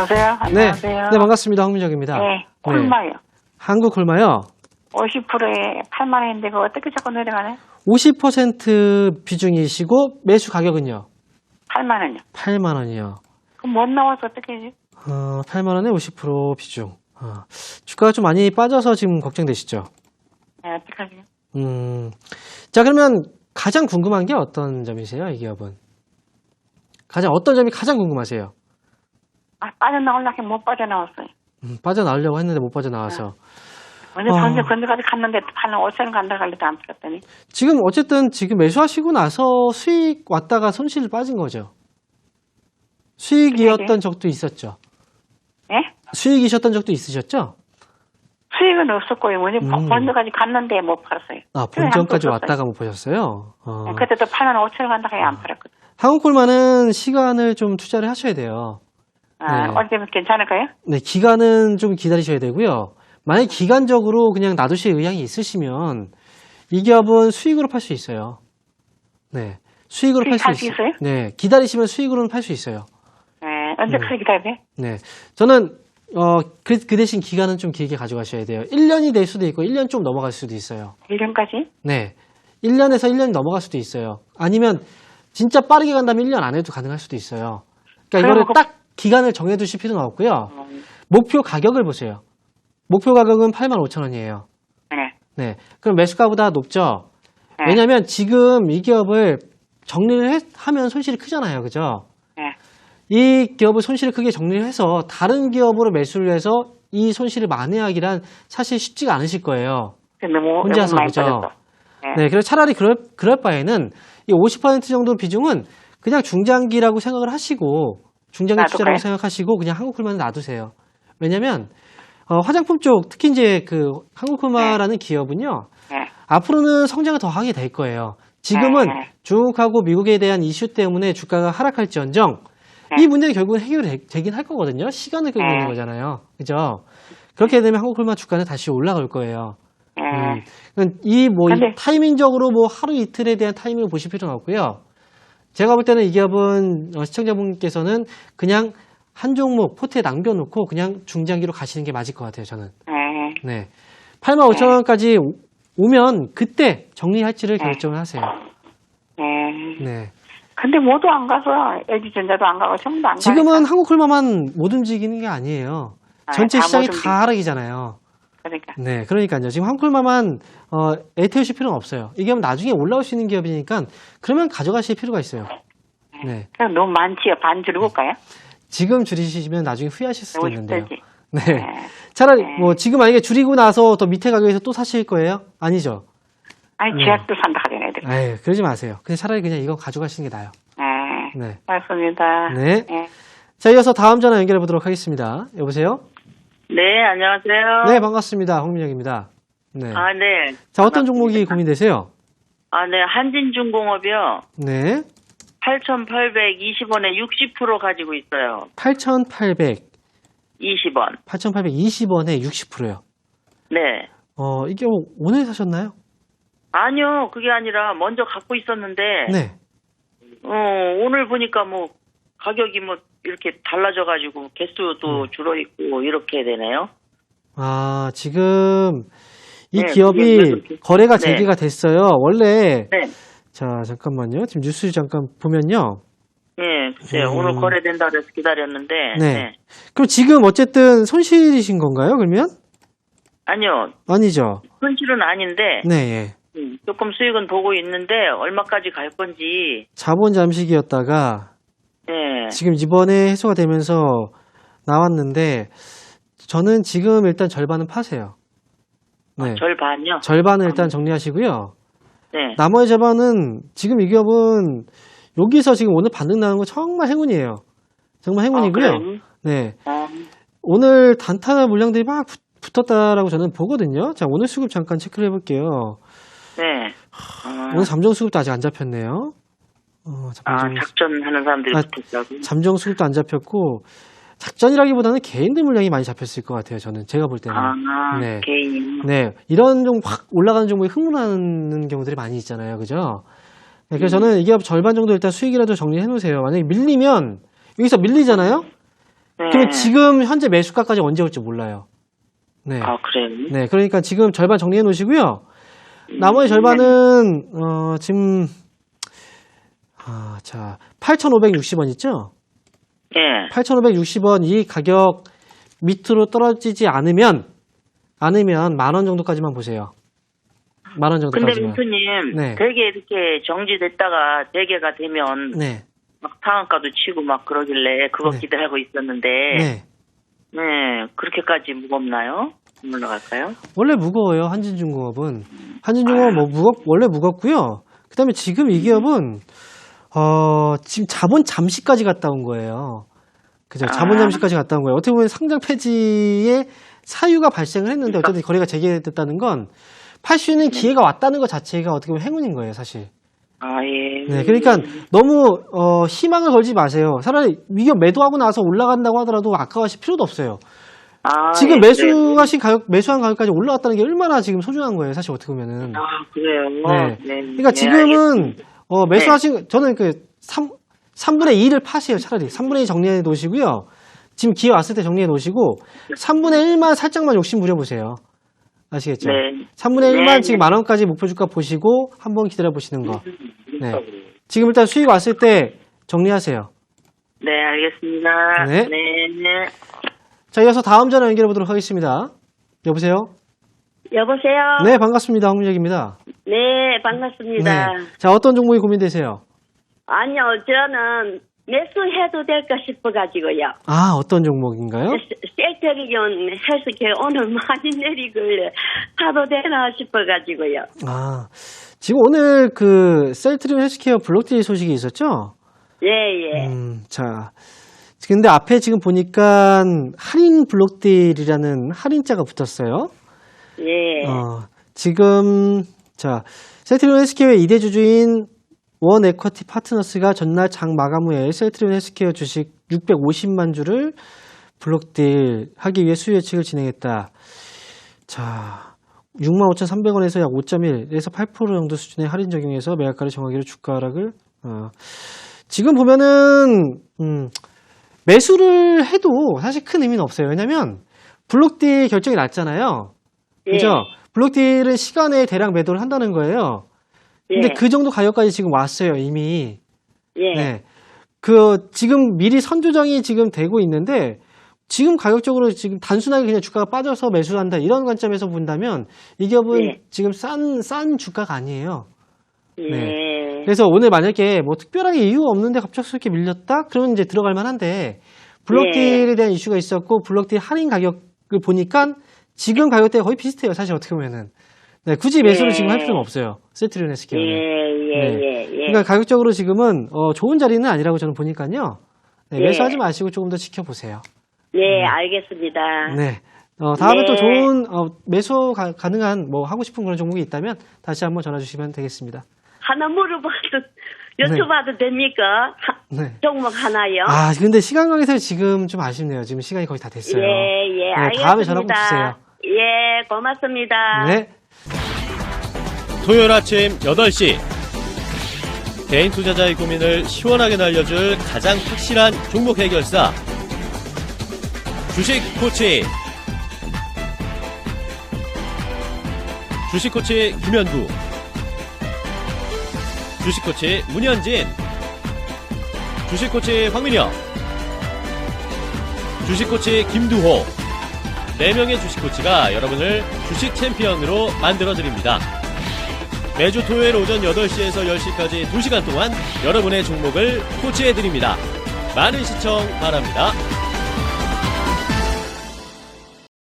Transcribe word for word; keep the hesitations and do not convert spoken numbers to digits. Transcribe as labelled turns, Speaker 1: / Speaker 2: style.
Speaker 1: 여보세요?
Speaker 2: 네,
Speaker 1: 안녕하세요.
Speaker 2: 네 반갑습니다. 황민정입니다.
Speaker 1: 네, 콜마요.
Speaker 2: 네. 한국 콜마요.
Speaker 1: 오십 퍼센트에 팔만 원인데 그거 어떻게 자꾸 내려가네?
Speaker 2: 오십 퍼센트 비중이시고 매수 가격은요?
Speaker 1: 팔만 원이요.
Speaker 2: 팔만 원이요.
Speaker 1: 그럼 못 나와서 어떻게 하지?
Speaker 2: 어, 팔만 원에 오십 퍼센트 비중. 어, 주가가 좀 많이 빠져서 지금 걱정되시죠?
Speaker 1: 네, 어떡하지?
Speaker 2: 음, 자 그러면 가장 궁금한 게 어떤 점이세요, 이 기업은? 가장 어떤 점이 가장 궁금하세요?
Speaker 1: 아, 빠져나오려고 못 빠져나왔어요.
Speaker 2: 음, 빠져나오려고 했는데 못 빠져나와서.
Speaker 1: 근데
Speaker 2: 어.
Speaker 1: 전세 건너까지 갔는데 팔면 오천 원 간다 갈래도 안 팔았더니.
Speaker 2: 지금 어쨌든 지금 매수하시고 나서 수익 왔다가 손실 빠진 거죠? 수익이었던 적도 있었죠?
Speaker 1: 예?
Speaker 2: 수익이셨던 적도 있으셨죠?
Speaker 1: 수익은 없었고요. 뭐지?
Speaker 2: 음.
Speaker 1: 본전까지 갔는데 못 팔았어요.
Speaker 2: 아, 본전까지 왔다가 못 보셨어요? 어.
Speaker 1: 네, 그때도 팔면 오천 원 간다 가야 안 팔았거든.
Speaker 2: 한국콜마는 시간을 좀 투자를 하셔야 돼요.
Speaker 1: 아,
Speaker 2: 네.
Speaker 1: 언제면 괜찮을까요?
Speaker 2: 네, 기간은 좀 기다리셔야 되고요. 만약 기간적으로 그냥 놔두실 의향이 있으시면 이 기업은 수익으로 팔 수 있어요. 네, 수익으로 팔 수
Speaker 1: 수익할 수
Speaker 2: 있어요.
Speaker 1: 있어요?
Speaker 2: 네, 기다리시면 수익으로는 팔 수 있어요.
Speaker 1: 네, 언제까지 기다려야 돼?
Speaker 2: 네, 저는 어, 그, 그 대신 기간은 좀 길게 가져가셔야 돼요. 일 년이 될 수도 있고 일 년 좀 넘어갈 수도 있어요.
Speaker 1: 일 년까지?
Speaker 2: 네, 일 년에서 일 년이 넘어갈 수도 있어요. 아니면 진짜 빠르게 간다면 일 년 안에도 가능할 수도 있어요. 그러니까 이거를
Speaker 1: 그...
Speaker 2: 딱 기간을 정해두실 필요는 없고요.
Speaker 1: 음.
Speaker 2: 목표 가격을 보세요. 목표 가격은 팔만 오천 원이에요.
Speaker 1: 네.
Speaker 2: 네, 그럼 매수가보다 높죠?
Speaker 1: 네.
Speaker 2: 왜냐하면 지금 이 기업을 정리를 해, 하면 손실이 크잖아요. 그죠?
Speaker 1: 네.
Speaker 2: 이 기업을 손실을 크게 정리를 해서 다른 기업으로 매수를 해서 이 손실을 만회하기란 사실 쉽지가 않으실 거예요.
Speaker 1: 너무,
Speaker 2: 혼자서,
Speaker 1: 너무 많이
Speaker 2: 그죠?
Speaker 1: 빠졌어. 네.
Speaker 2: 네, 그래서 차라리 그럴, 그럴 바에는 이 오십 퍼센트 정도 비중은 그냥 중장기라고 생각을 하시고, 중장기
Speaker 1: 놔둘까요?
Speaker 2: 투자라고 생각하시고, 그냥 한국콜마는 놔두세요. 왜냐면, 어, 화장품 쪽, 특히 이제 그 한국콜마라는 기업은요,
Speaker 1: 네.
Speaker 2: 앞으로는 성장을 더 하게 될 거예요. 지금은
Speaker 1: 네.
Speaker 2: 중국하고 미국에 대한 이슈 때문에 주가가 하락할지언정,
Speaker 1: 네.
Speaker 2: 이 문제는 결국은 해결이 되긴 할 거거든요. 시간을 끌고
Speaker 1: 네.
Speaker 2: 있는 거잖아요. 그죠? 그렇게 되면 한국콜마 주가는 다시 올라갈 거예요.
Speaker 1: 네.
Speaker 2: 음, 이 뭐
Speaker 1: 근데-
Speaker 2: 타이밍적으로 뭐 하루 이틀에 대한 타이밍을 보실 필요는 없고요. 제가 볼 때는 이 기업은 어, 시청자분께서는 그냥 한 종목 포트에 남겨놓고 그냥 중장기로 가시는 게 맞을 것 같아요. 저는.
Speaker 1: 네.
Speaker 2: 네. 팔만 오천 원까지 오면 그때 정리할지를
Speaker 1: 네.
Speaker 2: 결정을 하세요.
Speaker 1: 네.
Speaker 2: 네.
Speaker 1: 근데 모두 안 가서 엘지전자도 안 가고 전부 다 안 가니까.
Speaker 2: 지금은 한국콜마만 못 움직이는 게 아니에요.
Speaker 1: 아,
Speaker 2: 전체
Speaker 1: 다
Speaker 2: 시장이
Speaker 1: 못
Speaker 2: 다 하락이잖아요.
Speaker 1: 그러니까.
Speaker 2: 네, 그러니까요. 지금 한국콜마만 어, 애태우실 필요는 없어요. 이게 나중에 올라올 수 있는 기업이니까 그러면 가져가실 필요가 있어요. 네.
Speaker 1: 그럼 너무 많지요. 반 줄여볼까요?
Speaker 2: 지금 줄이시면 나중에 후회하실 수도 있는데요.
Speaker 1: 오십 대지.
Speaker 2: 네.
Speaker 1: 네.
Speaker 2: 차라리
Speaker 1: 네.
Speaker 2: 뭐 지금 만약에 줄이고 나서 더 밑에 가격에서 또 사실 거예요? 아니죠.
Speaker 1: 아니,
Speaker 2: 네.
Speaker 1: 제약도 산다 하잖아요, 애들.
Speaker 2: 에이, 그러지 마세요. 그냥 차라리 그냥 이거 가져가시는 게 나아요.
Speaker 1: 네.
Speaker 2: 네.
Speaker 1: 맞습니다.
Speaker 2: 네.
Speaker 1: 네.
Speaker 2: 자, 이어서 다음 전화 연결해 보도록 하겠습니다. 여보세요?
Speaker 3: 네, 안녕하세요.
Speaker 2: 네, 반갑습니다. 홍민혁입니다. 네.
Speaker 3: 아, 네.
Speaker 2: 자, 어떤
Speaker 3: 반갑습니다.
Speaker 2: 종목이 고민되세요?
Speaker 3: 아, 네. 한진중공업이요.
Speaker 2: 네.
Speaker 3: 팔천팔백이십 원에 육십 퍼센트 가지고 있어요.
Speaker 2: 팔천팔백이십 원.
Speaker 3: 이십 원.
Speaker 2: 팔천팔백이십 원에 육십 퍼센트요.
Speaker 3: 네.
Speaker 2: 어, 이게 뭐 오늘 사셨나요?
Speaker 3: 아니요, 그게 아니라 먼저 갖고 있었는데,
Speaker 2: 네.
Speaker 3: 어, 오늘 보니까 뭐, 가격이 뭐, 이렇게 달라져가지고, 개수도
Speaker 2: 음.
Speaker 3: 줄어있고, 이렇게 되네요.
Speaker 2: 아, 지금 이
Speaker 3: 네,
Speaker 2: 기업이
Speaker 3: 그게 왜 그렇게-
Speaker 2: 거래가
Speaker 3: 네.
Speaker 2: 재개가 됐어요. 원래
Speaker 3: 네.
Speaker 2: 자, 잠깐만요. 지금 뉴스 잠깐 보면요.
Speaker 3: 네, 글쎄요.
Speaker 2: 음.
Speaker 3: 오늘 거래된다 그래서 기다렸는데,
Speaker 2: 네.
Speaker 3: 네.
Speaker 2: 그럼 지금 어쨌든 손실이신 건가요? 그러면?
Speaker 3: 아니요,
Speaker 2: 아니죠.
Speaker 3: 손실은 아닌데,
Speaker 2: 네, 예.
Speaker 3: 음, 조금 수익은 보고 있는데, 얼마까지 갈 건지,
Speaker 2: 자본 잠식이었다가
Speaker 3: 네.
Speaker 2: 지금 이번에 해소가 되면서 나왔는데 저는 지금 일단 절반은 파세요. 네.
Speaker 3: 아, 절반요?
Speaker 2: 절반은 일단 정리하시고요.
Speaker 3: 네.
Speaker 2: 나머지 절반은 지금 이 기업은 여기서 지금 오늘 반등 나는 거 정말 행운이에요. 정말 행운이고요.
Speaker 3: 아, 그래요?
Speaker 2: 네.
Speaker 3: 어,
Speaker 2: 오늘 단타 물량들이 막 붙- 붙었다라고 저는 보거든요. 자, 오늘 수급 잠깐 체크를 해볼게요.
Speaker 3: 네. 어,
Speaker 2: 오늘 잠정 수급도 아직 안 잡혔네요. 어,
Speaker 3: 아,
Speaker 2: 잠정,
Speaker 3: 작전하는 사람들이
Speaker 2: 아,
Speaker 3: 붙었다고?
Speaker 2: 잠정 수급도 안 잡혔고 작전이라기보다는 개인들 물량이 많이 잡혔을 것 같아요. 저는 제가 볼 때는.
Speaker 3: 아,
Speaker 2: 네.
Speaker 3: 개인.
Speaker 2: 네, 이런 좀 확 올라가는 종목에 흥분하는 경우들이 많이 있잖아요. 그죠? 네, 그래서
Speaker 3: 음.
Speaker 2: 저는 이 기업 절반 정도 일단 수익이라도 정리해 놓으세요. 만약에 밀리면, 여기서 밀리잖아요?
Speaker 3: 네.
Speaker 2: 그럼 지금 현재 매수가까지 언제 올지 몰라요. 네.
Speaker 3: 아, 그래요?
Speaker 2: 네. 그러니까 지금 절반 정리해 놓으시고요. 나머지 절반은, 어, 지금, 아, 자, 팔천오백육십 원 있죠?
Speaker 3: 예.
Speaker 2: 팔천오백육십 원 이 가격 밑으로 떨어지지 않으면, 않으면 만 원 정도까지만 보세요. 만 원
Speaker 3: 근데
Speaker 2: 정도까지만.
Speaker 3: 민수님,
Speaker 2: 네.
Speaker 3: 되게 이렇게 정지됐다가 대개가 되면
Speaker 2: 네.
Speaker 3: 막 상한가도 치고 막 그러길래 그거
Speaker 2: 네.
Speaker 3: 기대하고 있었는데,
Speaker 2: 네.
Speaker 3: 네, 그렇게까지 무겁나요? 올라갈까요?
Speaker 2: 원래 무거워요, 한진중공업은. 한진중공업 뭐 무겁, 원래 무겁고요. 그 다음에 지금 이 기업은, 어, 지금 자본 잠시까지 갔다 온 거예요. 그죠? 자본
Speaker 3: 아.
Speaker 2: 잠시까지 갔다 온 거예요. 어떻게 보면 상장 폐지의 사유가 발생을 했는데 어쨌든 거래가 재개됐다는 건 팔 수 있는 기회가 왔다는 것 자체가 어떻게 보면 행운인 거예요, 사실.
Speaker 3: 아, 예.
Speaker 2: 네, 그러니까 너무 어, 희망을 걸지 마세요. 차라리 위기업 매도하고 나서 올라간다고 하더라도 아까워하실 필요도 없어요.
Speaker 3: 아,
Speaker 2: 지금
Speaker 3: 예,
Speaker 2: 매수하신 가격, 매수한 가격까지 올라왔다는 게 얼마나 지금 소중한 거예요, 사실 어떻게 보면은.
Speaker 3: 네. 아, 그래요?
Speaker 2: 네.
Speaker 3: 네.
Speaker 2: 그러니까
Speaker 3: 네,
Speaker 2: 지금은
Speaker 3: 알겠습니다.
Speaker 2: 어, 매수하신 저는 그 삼, 삼분의 이를 파세요, 차라리. 삼분의 이 정리해 놓으시고요. 지금 기회 왔을 때 정리해 놓으시고 삼분의 일만 살짝만 욕심 부려 보세요. 아시겠죠?
Speaker 3: 네.
Speaker 2: 삼분의 일만
Speaker 3: 네,
Speaker 2: 지금
Speaker 3: 네.
Speaker 2: 만 원까지 목표 주가 보시고 한번 기다려 보시는 거. 네. 지금 일단 수익 왔을 때 정리하세요.
Speaker 3: 네, 알겠습니다.
Speaker 2: 네.
Speaker 3: 네, 네.
Speaker 2: 자, 이어서 다음 전화 연결해 보도록 하겠습니다. 여보세요?
Speaker 4: 여보세요?
Speaker 2: 네, 반갑습니다. 황민혁입니다.
Speaker 4: 네, 반갑습니다.
Speaker 2: 네. 자, 어떤 종목이 고민되세요?
Speaker 4: 아니요, 저는 매수해도 될까 싶어가지고요.
Speaker 2: 아, 어떤 종목인가요?
Speaker 4: 셀트리온 헬스케어 오늘 많이 내리길래 사도 되나 싶어가지고요.
Speaker 2: 아, 지금 오늘 그 셀트리온 헬스케어 블록딜 소식이 있었죠?
Speaker 4: 예, 예.
Speaker 2: 음, 자. 근데 앞에 지금 보니까 할인 블록딜이라는 할인자가 붙었어요.
Speaker 4: 예.
Speaker 2: 어, 지금, 자, 셀트리온 헬스케어의 이 대 주주인 원 에쿼티 파트너스가 전날 장 마감 후에 셀트리온 헬스케어 주식 육백오십만 주를 블록딜 하기 위해 수요 예측을 진행했다. 자, 육만 오천삼백 원에서 약 오 점 일에서 팔 퍼센트 정도 수준의 할인 적용해서 매각가를 정하기로 주가 하락을, 어, 지금 보면은, 음, 매수를 해도 사실 큰 의미는 없어요. 왜냐면, 블록딜 결정이 났잖아요.
Speaker 4: 예.
Speaker 2: 그죠? 블록딜은 시간에 대량 매도를 한다는 거예요. 근데
Speaker 4: 예.
Speaker 2: 그 정도 가격까지 지금 왔어요, 이미.
Speaker 4: 예.
Speaker 2: 네. 그, 지금 미리 선조정이 지금 되고 있는데, 지금 가격적으로 지금 단순하게 그냥 주가가 빠져서 매수한다, 이런 관점에서 본다면, 이 기업은
Speaker 4: 예.
Speaker 2: 지금 싼, 싼 주가가 아니에요.
Speaker 4: 예.
Speaker 2: 네. 그래서 오늘 만약에 뭐 특별하게 이유가 없는데 갑작스럽게 밀렸다? 그러면 이제 들어갈 만한데, 블록딜에
Speaker 4: 예.
Speaker 2: 대한 이슈가 있었고, 블록딜 할인 가격을 보니까 지금 가격대가 거의 비슷해요, 사실 어떻게 보면은. 네, 굳이 매수를
Speaker 4: 예.
Speaker 2: 지금 할 필요는 없어요. 셀트리온 헬스케어는.
Speaker 4: 예, 예,
Speaker 2: 네.
Speaker 4: 예, 예.
Speaker 2: 그러니까 가격적으로 지금은 어, 좋은 자리는 아니라고 저는 보니까요. 네,
Speaker 4: 예.
Speaker 2: 매수하지 마시고 조금 더 지켜보세요.
Speaker 4: 네, 알겠습니다.
Speaker 2: 네. 어, 다음에
Speaker 4: 네.
Speaker 2: 또 좋은 어, 매수 가, 가능한 뭐 하고 싶은 그런 종목이 있다면 다시 한번 전화 주시면 되겠습니다.
Speaker 4: 하나 물어봐도, 여쭤봐도 됩니까? 하-
Speaker 2: 네.
Speaker 4: 종목 하나요?
Speaker 2: 아, 근데 시간 관계에서 지금 좀 아쉽네요. 지금 시간이 거의 다 됐어요.
Speaker 4: 예, 예,
Speaker 2: 네,
Speaker 4: 알겠습니다.
Speaker 2: 다음에 전화 꼭 주세요.
Speaker 4: 예, 고맙습니다.
Speaker 2: 네.
Speaker 5: 토요일 아침 여덟 시 개인 투자자의 고민을 시원하게 날려줄 가장 확실한 종목 해결사 주식 코치 주식 코치 김현구 주식 코치 문현진 주식 코치 황민혁 주식 코치 김두호 네 명의 주식 코치가 여러분을 주식 챔피언으로 만들어드립니다. 매주 토요일 오전 여덟 시에서 열 시까지 두 시간 동안 여러분의 종목을 코치해드립니다. 많은 시청 바랍니다.